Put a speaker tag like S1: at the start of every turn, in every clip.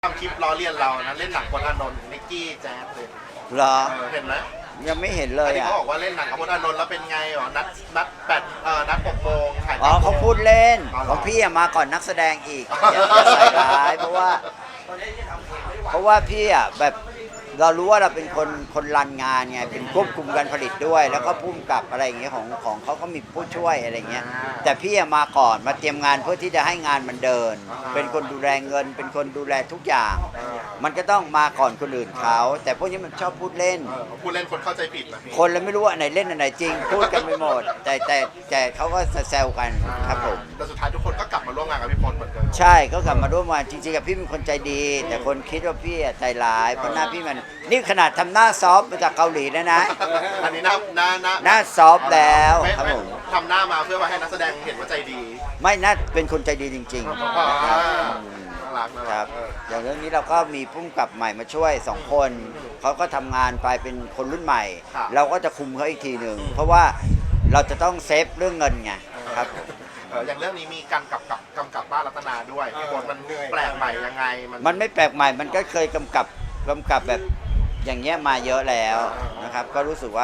S1: ทำคลิปล้อเลียนเรานะเล่นหนังพลอานนท์นิกกี้แจ๊สเลย
S2: เหรอ
S1: เห็นไหม
S2: ยังไม่เห็นเลย
S1: ที่
S2: อ่ะ
S1: เขาบอกว่าเล่นหนังกับพลอานนท์แล้วเป็นไงอ๋อนัดนัด6 โมงถ่าย
S2: อ๋อเขาพูดเล่น
S1: อ๋อเหรอ
S2: ของพี่อะมาก่อนนักแสดงอีกอย่าใส่ร้ายเพราะว่าพี่อ่ะแบบเรารู้ว่าเราเป็นคนรันงานไงเป็นควบคุมการผลิตด้วย แล้วก็พุ่มกับอะไรอย่างเงี้ยของเขาก็มีผู้ช่วยอะไรเงี้ยแต่พี่อะมาก่อนมาเตรียมงานเพื่อที่จะให้งานมันเดิน เป็นคนดูแลเงิน เป็นคนดูแลทุกอย่าง มันก็ต้องมาก่อนคนอื่นเขาแต่พวกนี้มันชอบพูดเล่น
S1: พูดเล่นคนเข้าใจผิดนะพี่
S2: คนเราไม่รู้ว่าอันไหนเล่นอันไหนจริง พูดกันไปหมด แต่เขาก็แซวกันครับผม
S1: แต่สุดท้ายทุกคนก็กลับมาร่วมงานกับพี่พลเหมือนเดิม
S2: ใช่ก็กลับมาร่วมงานจริงๆกับพี่เป็นคนใจดี แต่คนคิดว่าพี่อะใจร้ายเพราะหน้าพี่มันนี่ขนาดทำหน้าซอฟต์มาจากเกาหลีแล้วนะ
S1: อันนี้
S2: หน้าซอฟต์แล้วครับผม
S1: ทำหน้ามาเพื่อว่าให้นักแสดงเห็นว่าใจดี
S2: ไม่น่าเป็นคนใจดีจริงๆนะครับ
S1: น่ารักนะ
S2: ครับอย่างเรื่องนี้เราก็มีพุ่มกับใหม่มาช่วย2 คนเขาก็ทำงานไปเป็นคนรุ่นใหม่ เราก็จะคุมเขาอีกทีหนึ่งเพราะว่าเราจะต้องเซฟเรื่องเงินไงครับผม
S1: อย่างเรื่องนี้มีการกำกับป้ารัตนาด้วยพี่พลมันแปลกใหม่ยังไง
S2: มันไม่แปลกใหม่มันก็เคยกำกับแบบอย่างเงี้ยมาเยอะแล้วนะครับ ก็รู้สึกว่า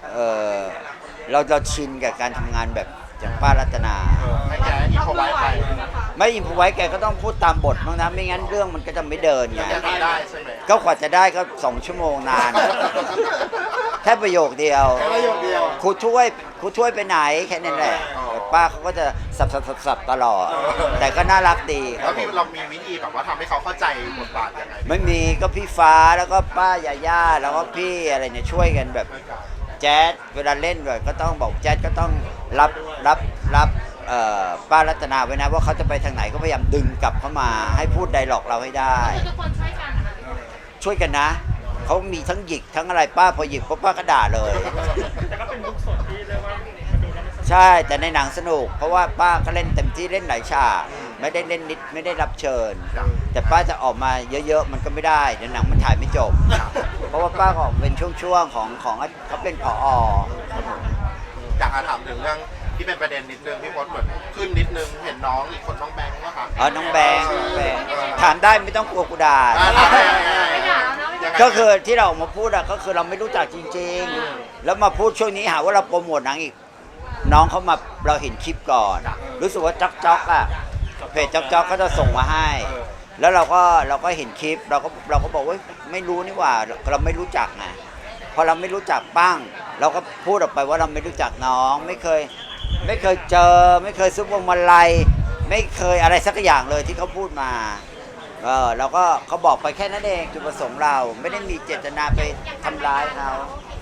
S2: เราชินกับการทำงานแบบอย่างป้ารัตนา
S1: ให้แกอินพอไว้ไป
S2: ไม่อินพอไว้แกก็ต้องพูดตามบทบ้างนะไม่งั้นเรื่องมันก็จะไม่เดินไง
S1: แกทำได้ใช่ไหม
S2: ก็กว่าจะได้ก็2 ชั่วโมงนาน แค่ประโยคเดียว
S1: แค่ประโยคเดียว
S2: ครูช่วยไปไหนแค่นั้นแหละ
S1: อ๋อ
S2: แต่ป้าเขาก็จะสับตลอด แต่ก็น่ารักดีค
S1: แล้
S2: รั
S1: ว
S2: บผ
S1: พี่
S2: ม
S1: เรามีวิธีแบบว่าทำให้เขาเข้าใจบทบาทยังไง
S2: ไม่มีก็พี่ฟ้าแล้วก็ป้ายาย่าแล้วก็พี่อะไรเนี่ยช่วยกันแบบแจ๊ดเวลาเล่นด้วยก็ต้องบอกแจ๊ดก็ต้องรับป้ารัตนาไว้นะว่าเขาจะไปทางไหนก็พยายามดึงกลับเข้ามาให้พูดไดร็อกเราให้ได้
S3: คือทุกคนช่วยกันนะคะ
S2: ช่วยกันนะเขามีทั้งหยิกทั้งอะไรป้าพอหยิกปุ๊บป้าก็ด่าเลย
S4: แต่ก็เป็นลุคสดที่เรียกว่ามาดูแล้วมันสนุก
S2: ใช่แต่ในหนังสนุก เพราะว่าป้าก็เล่นเต็มที่เล่นหลายฉากไม่ได้เล่นนิดไม่ได้รับเชิญ แต่ป้าจะออกมาเยอะๆมันก็ไม่ได้เดี๋ยวหนังมันถ่ายไม่จบ เพราะว่าป้าก็ออกเป็นช่วงๆของเขาเป็นผอครับผม
S1: อยากจะถามถึงเรื่องที่เป็นประเด็นนิดนึงพี่พลเหมือนขึ้นนิดนึงเห็นน้องอีกคนน้องแบงค์ว่าค่ะ
S2: น้องแบงค์ถามได้ไม่ต้องกลัวกูด่า
S3: ไม่ด่าแล้วนะไม่ด่า
S2: ก็คือที่เราออกมาพูดอะก็คือเราไม่รู้จักจริงๆ แล้วมาพูดช่วงนี้หาว่าเราโปรโมทหนังอีก น้องเขามาเราเห็นคลิปก่อน รู้สึกว่าจ๊อกอะเพจจ๊อกเขาจะส่งมาให้ แล้วเราก็เห็นคลิปเราก็บอกว่าไม่รู้นี่หว่าเราไม่รู้จักไงพอเราไม่รู้จักปั้งเราก็พูดออกไปว่าเราไม่รู้จักน้องไม่เคยเจอไม่เคยซุปพวงมาลัยไม่เคยอะไรสักอย่างเลยที่เขาพูดมาเราก็เขาบอกไปแค่นั้นเองจุดประสงค์เราไม่ได้มีเจตนาไปทำร้ายเขา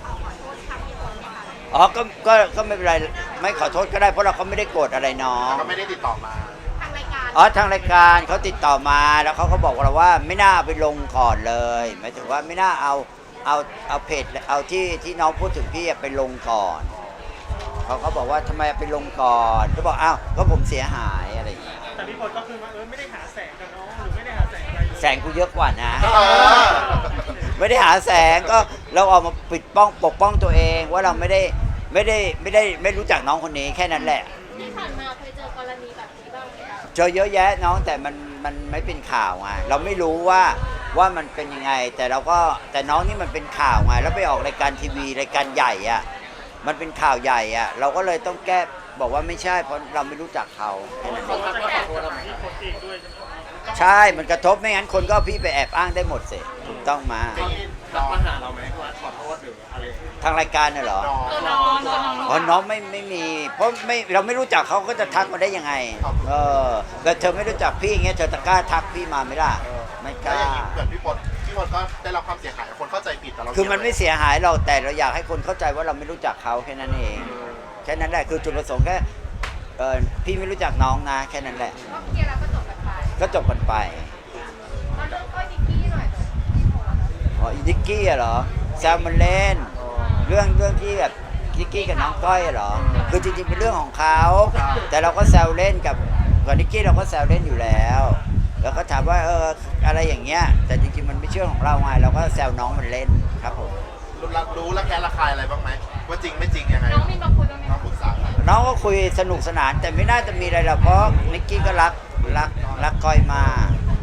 S2: อ๋อก็ไม่เป็นไรไม่ขอโทษก็ได้เพราะเราก็ไม่ได้โกรธอะไรน้อง
S1: ก็ไม่ได้ติดต่อมา
S3: ทางรายการ
S2: อ๋อทางรายการเขาติดต่อมาแล้วเขาก็บอกเราว่าไม่น่าเอาไปลงก่อนเลยหมายถึงว่าไม่น่าเอาเพจเอาที่น้องพูดถึงพี่ไปลงก่อนเขาก็บอกว่าทำไมเอาไปลงก่อนก็บอกอ้าวก็ผมเสียหายอะไรอย่างเงี้ย
S4: แต่พี่พลก็คือว่าไม่ได้หาแสงกับน้องหรือไม่ได้หาแสงอะไรเลย
S2: แสงกูเยอะกว่านะ
S1: เออ
S2: ไม่ได้หาแสงก็เราออกมาปกป้องตัวเองว่าเราไม่รู้จักน้องคนนี้แค่นั้นแหละ
S3: ที่ผ่านมาเคยเจอกรณีแบบนี้บ้างไหมคะ
S2: เจอเยอะแยะน้องแต่มันไม่เป็นข่าวไงเราไม่รู้ว่ามันเป็นยังไงแต่น้องนี่มันเป็นข่าวไงแล้วไปออกรายการทีวีรายการใหญ่อะมันเป็นข่าวใหญ่อะเราก็เลยต้องแก้บอกว่าไม่ใช่เพราะเราไม่รู้จักเขาแค่นั้นเอง
S4: แต่ก็ขอโทษกับพี่พลเองด้วยใช่ไหม
S2: ใช่มันกระทบไม่งั้นคนก็เอาพี่ไปแอบอ้างได้หมดสิถูกต้องมา
S1: น้อง
S4: มาหาเราไหมว่าขอโทษหรืออะไร
S2: ทางรายการน่ะเหรอ
S1: น้อง
S3: ตัวน้องตัวน้อง
S2: อ๋อน้องไม่มีเพราะเราไม่รู้จักเขาก็จะทักมาได้ยังไงแต่เธอไม่รู้จักพี่อย่างเงี้ยเธอจะกล้าทักพี่มาไหมล่ะไม่ก
S1: แล้ว
S2: ล้า
S1: อย่างนี้เหมือนพี่พลก็ได้รับความเสียหายคนเข้าใจผิดแต่เรา
S2: คือมันไม่เสียหายเราแต่เราอยากให้คนเข้าใจว่าเราไม่รู้จักเขาแค่นั้นเองแค่นั้นแหละคือจุดประสงค์แค่พี่ไม่รู้จักน้องนะแค่นั้นแหละ
S3: ก็เคลียร์แล้วก็จบกันไป
S2: ก็จบกันไป
S3: มาเรื่องก้อยดิกกี้หน่อยที่โพสต์
S2: อ๋ออีดิกกี้อะเหรอแซวมันเล่นเรื่องที่แบบดิกกี้กับน้องก้อยอะเหรอคือจริงๆเป็นเรื่องของเขาแต่เราก็แซวเล่นกับดิกกี้เราก็แซวเล่นอยู่แล้วแล้วก็ถามว่าอะไรอย่างเงี้ยแต่จริงๆมันไม่เชื่อของเราไงเราก็แซวน้องมันเล่นครับผม
S1: รู้และแค่ระคายอะไรบ้างไหมว่าจริงไม่จริงยังไง
S3: น้องมีมาคุยบ้างไหม
S1: น้อง
S3: คะ
S1: ปรึกษากัน
S2: น้องก็คุยสนุกสนานแต่ไม่น่าจะมีอะไรหรอกเพราะนิกกี้ก็รักก้อยมาก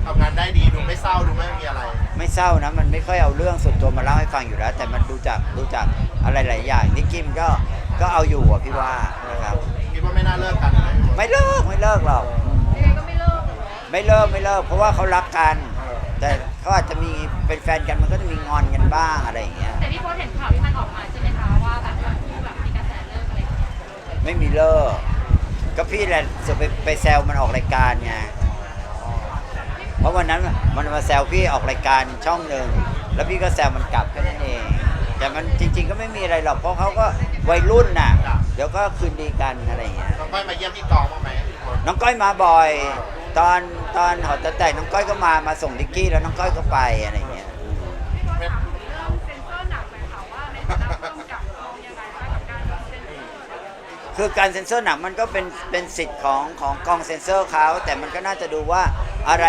S1: ทำงานได้ดีดูไม่เศร้าดูไม่มีอะไร
S2: ไม่เศร้านะมันไม่ค่อยเอาเรื่องส่วนตัวมาเล่าให้ฟังอยู่แล้ว แต่มันดูจากอะไรหลายอย่างนิกกี้มันก็เอาอยู่อะพี่ว่านะครับ
S1: คิดว่าไม่น่าเลิกกันเลย
S2: ไม่เลิกหรอก
S3: ยังไงก็ไม่เลิกเหรอ
S2: ไม่เลิกเพราะว่าเขารักกัน แต่เขาอาจจะมีเป็นแฟนกันมันก็จะมีงอนกันบ้างอะไรอย่างเงี้ย
S3: แต่พี่โพสเห็นข่าวที่มันออกมาใช่ไหมคะว่าแบบทั้งคู่แบบมีกระแสเลิกอะไรอย่างเงี้ย
S2: ไม่มีเลิกก็พี่แหละจะไปแซวมันออกรายการไงเพราะวันนั้นมันมาแซวพี่ออกรายการช่องหนึ่งแล้วพี่ก็แซวมันกลับแค่นั้นเองแต่มันจริง ๆ ก็ไม่มีอะไรหรอกเพราะเขาก็วัยรุ่นน่ะเดี๋ยวก็คืนดีกันอะไรอย่างเงี้ย
S1: น้องก้อยมาเยี่ยมพี่กองบ้างไหมพี่พล
S2: น้องก้อยมาบ่อย ตอนหอแต่น้องก้อยก็มาส่งดิกกี้แล้วน้องก้อยก็ไปอะไรอย่างเงี้ย
S3: พี่โพสถามเรื่องเซ็นเซอร์หนักหน่อยค่ะว่าในฐานะผู้กำกับมองยังไงบ้างกับการเซ็นเซอร์
S2: คือการเซ็นเซอร์หนังมันก็เป็นสิทธิ์ของกองเซ็นเซอร์เขาแต่มันก็น่าจะดูว่าอะไร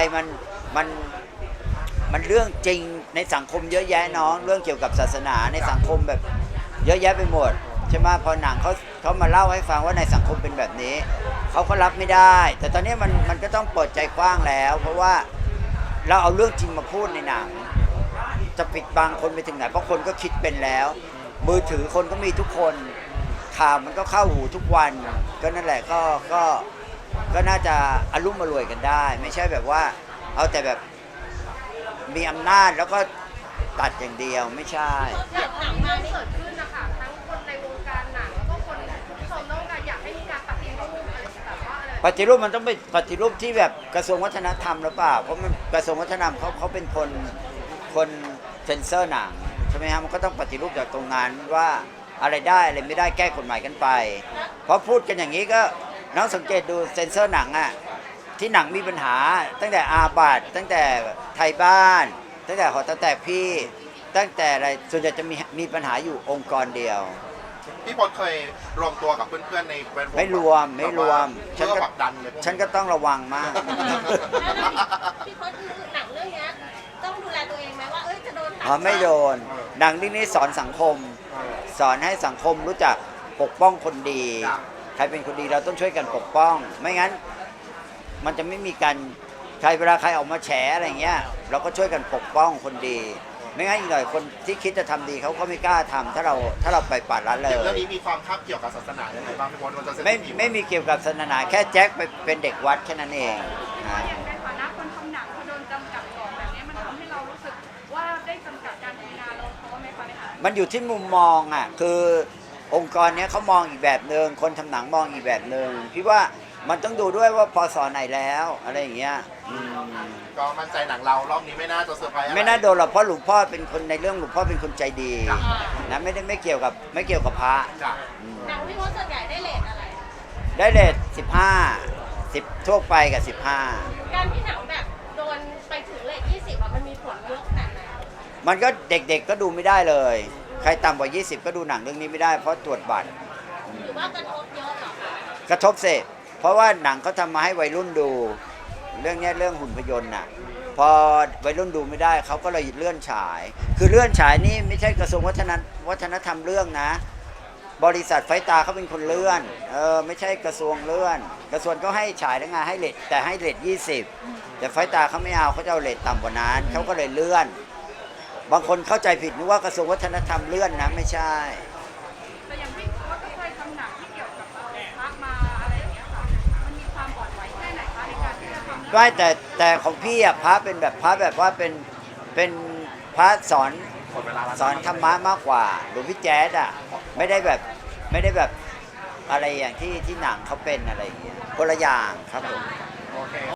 S2: มันเรื่องจริงในสังคมเยอะแยะน้องเรื่องเกี่ยวกับศาสนาในสังคมแบบเยอะแยะไปหมดใช่ไหมพอหนังเขามาเล่าให้ฟังว่าในสังคมเป็นแบบนี้เขาก็รับไม่ได้ แต่ตอนนี้มันก็ต้องเปิดใจกว้างแล้ว เพราะว่าเราเอาเรื่องจริงมาพูดในหนัง จะปิดบังคนไปถึงไหนเพราะคนก็คิดเป็นแล้ว มือถือคนก็มีทุกคนข่าวมันก็เข้าหูทุกวันก็นั่นแหละก็น่าจะอารมณ์มารวยกันได้ ไม่ใช่แบบว่าเอาแต่แบบมีอำนาจแล้วก็ตัดอย่างเดียวไม่ใช่
S3: อย่างหนังมาที่เกิดขึ้นนะคะทั้งคนในวงการหนังแล้วก็คนผู้ชมต้องการอยากให้มีการปฏิรูปอะไรแบบว่าอะไร
S2: ปฏิรูปมันต้องเป็นปฏิรูปที่แบบกระทรวงวัฒนธรรมหรือเปล่าเพราะมันกระทรวงวัฒนธรรมเขาเป็นคนเซ็นเซอร์หนังใช่ไหมฮะมันก็ต้องปฏิรูปจากตรงนั้นว่าอะไรได้อะไรไม่ได้แก้กฎหมายกันไปเพราะพูดกันอย่างนี้ก็น้องสังเกตดูเซ็นเซอร์หนังอะที่หนังมีปัญหาตั้งแต่อาบัติตั้งแต่ไทยบ้านตั้งแต่หอตั้งแต่พี่ตั้งแต่อะไรส่วนใหญ่จะมีปัญหาอยู่องค์กรเดียว
S1: พี่พลเคยรวมตัวกับเพื่อนๆในแวดวง
S2: ไม่รวม
S1: เพื่อผลักดันเลยพวก
S2: ฉันก็ต้องระวังมาก
S3: พี่โพสคือหนังเรื่องนี้ต้องดูแลตัวเองไหมว่าจะโดนตัด
S2: อ๋อไม่โดนหนังเรื่องนี้สอนสังคม สอนให้สังคมรู้จักปกป้องคนดี ใครเป็นคนดีเราต้องช่วยกันปกป้อง ไม่งั้น มันจะไม่มีการใครเวลาใครออกมาแฉอะไรเงี้ยเราก็ช่วยกันปกป้องคนดี ไม่งั้นอีกหน่อยคนที่คิดจะทำดีเขาก็ไม่กล้าทำถ้าเราไปปัดละเลย
S1: เรื่องนี้มีความคาบเกี่ยวกับศาสนายังไงบ้างพี่พลเราจะเซ็น
S2: ไม่มีเกี่ยวกับศาสนาแค่แจ็คไปเป็นเด็กวัดแค่นั้นเองนะ
S3: อย่างในฐานะคนทำหนังที่โดนจำกัดกรอบแบบนี้มันทำให้เรารู้สึกว่าได้จำกัดการทำงานเราเพราะว่าไหมคะเนี่ย
S2: มันอยู่ที่มุมมองอ่ะคือองค์กรเนี้ยเขามองอีกแบบหนึ่งคนทำหนังมองอีกแบบหนึ่งพี่ว่ามันต้องดูด้วยว่าพศไหนแล้วอะไรอย่างเงี้ย
S1: ก็มั่นใจหนังเรารอบนี้ไม่น่าจะเซอร์ไพรส์อะไร
S2: ไม่น่าโดนหรอกเพราะหลวงพ่อเป็นคนในเรื่องหลวงพ่อเป็นคนใจดีนะไม่เกี่ยวกับพระ
S1: จ้ะ
S3: หนังพี่โพสส่วนใหญ่ได้เรทอะไร
S2: ได้เลท10ทั่วไปกับ15
S3: การที่หนังแบบโดนไปถึงเรท20มันมีผลเยอะขนาดไหน
S2: มันก็เด็กๆก็ดูไม่ได้เลย ใครต่ำกว่า20ก็ดูหนังเรื่องนี้ไม่ได้เพราะตรวจบัตร
S3: หรือว่ากระทบเยอะเหรอคะ
S2: กระทบเสพเพราะว่าหนังเขาทำมาให้วัยรุ่นดู เรื่องเนี้ยเรื่องหุ่นพยนต์น่ะพอวัยรุ่นดูไม่ได้เขาก็เลยเลื่อนฉาย คือเลื่อนฉายนี่ไม่ใช่กระทรวงวัฒนธรรมเรื่องนะ บริษัทไฟตาเขาเป็นคนเลื่อนไม่ใช่กระทรวงเลื่อน กระทรวงก็ให้ฉายได้ไงให้เรทแต่ให้เรท20แต่ไฟตาเขาไม่เอาเขาจะเอาเรทต่ำกว่านั้นเขาก็เลยเลื่อน บางคนเข้าใจผิดนึกว่ากระทรวงวัฒนธรรมเลื่อนนะไม่ใช่
S3: แต่อย่างพี่โพสก็เคยทำหนังที่เกี่ยวกับพระมาอะไรอย่างเงี้ยค่ะมันมีความอ่อนไหวแค่ไหนคะในการที่จะทำ
S2: ไม่แต่ของพี่อะพระเป็นแบบพระแบบว่าเป็นพระสอน
S1: หมดเวลาแล้ว
S2: สอนธรรมะมากกว่าหลวงพี่แจ๊ดอะไม่ได้แบบอะไรอย่างที่หนังเขาเป็นอะไรอย่างเงี้ยคนละอย่างครับผม
S1: โอเค